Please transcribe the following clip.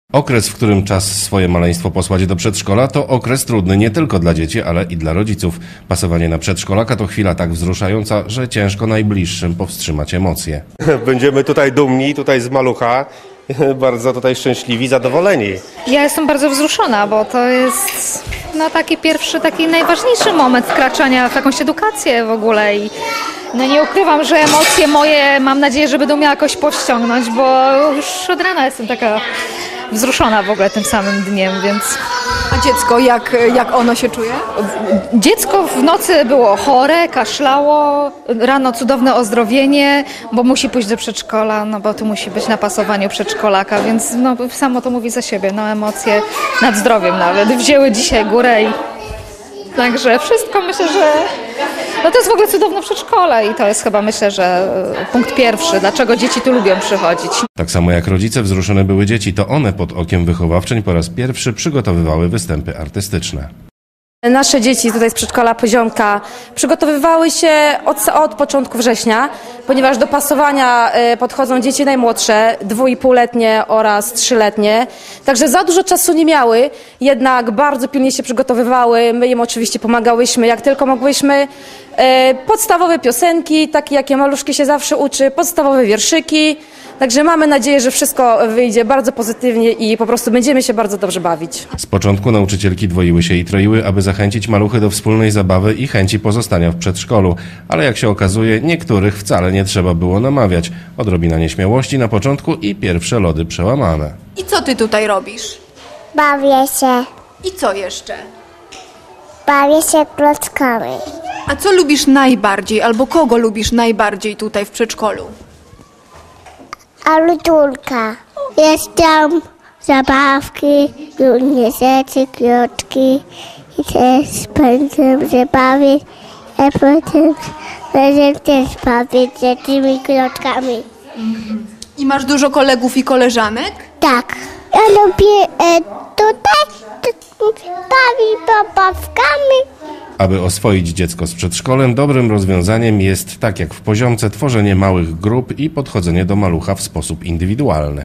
Okres, w którym czas swoje maleństwo posłać do przedszkola, to okres trudny nie tylko dla dzieci, ale i dla rodziców. Pasowanie na przedszkolaka to chwila tak wzruszająca, że ciężko najbliższym powstrzymać emocje. Będziemy tutaj dumni, tutaj z malucha, bardzo tutaj szczęśliwi, zadowoleni. Ja jestem bardzo wzruszona, bo to jest taki pierwszy, taki najważniejszy moment wkraczania w jakąś edukację w ogóle i nie ukrywam, że emocje moje mam nadzieję, że będą mnie jakoś powściągnąć, bo już od rana jestem taka wzruszona w ogóle tym samym dniem, więc... A dziecko, jak ono się czuje? Dziecko w nocy było chore, kaszlało, rano cudowne ozdrowienie, bo musi pójść do przedszkola, bo tu musi być na pasowaniu przedszkolaka, więc samo to mówi za siebie, emocje nad zdrowiem nawet wzięły dzisiaj górę i także wszystko myślę, że to jest w ogóle cudowne przedszkole i to jest chyba myślę, że punkt pierwszy, dlaczego dzieci tu lubią przychodzić. Tak samo jak rodzice, wzruszone były dzieci, to one pod okiem wychowawczyń po raz pierwszy przygotowywały występy artystyczne. Nasze dzieci tutaj z przedszkola Poziomka przygotowywały się od początku września, ponieważ do pasowania podchodzą dzieci najmłodsze, 2,5-letnie oraz 3-letnie. Także za dużo czasu nie miały, jednak bardzo pilnie się przygotowywały. My im oczywiście pomagałyśmy jak tylko mogłyśmy. Podstawowe piosenki, takie jakie maluszki się zawsze uczy, podstawowe wierszyki. Także mamy nadzieję, że wszystko wyjdzie bardzo pozytywnie i po prostu będziemy się bardzo dobrze bawić. Z początku nauczycielki dwoiły się i troiły, aby zachęcić maluchy do wspólnej zabawy i chęci pozostania w przedszkolu. Ale jak się okazuje, niektórych wcale nie trzeba było namawiać. Odrobina nieśmiałości na początku i pierwsze lody przełamane. I co ty tutaj robisz? Bawię się. I co jeszcze? Bawię się klockami. A co lubisz najbardziej, albo kogo lubisz najbardziej tutaj w przedszkolu? Alutulka. Jest tam zabawki, różne rzeczy, klocki. I też będę się bawić, a potem będę też bawić się tymi klockami. I masz dużo kolegów i koleżanek? Tak. Ja lubię tutaj bawić zabawkami. Aby oswoić dziecko z przedszkolem, dobrym rozwiązaniem jest, tak jak w Poziomce, tworzenie małych grup i podchodzenie do malucha w sposób indywidualny.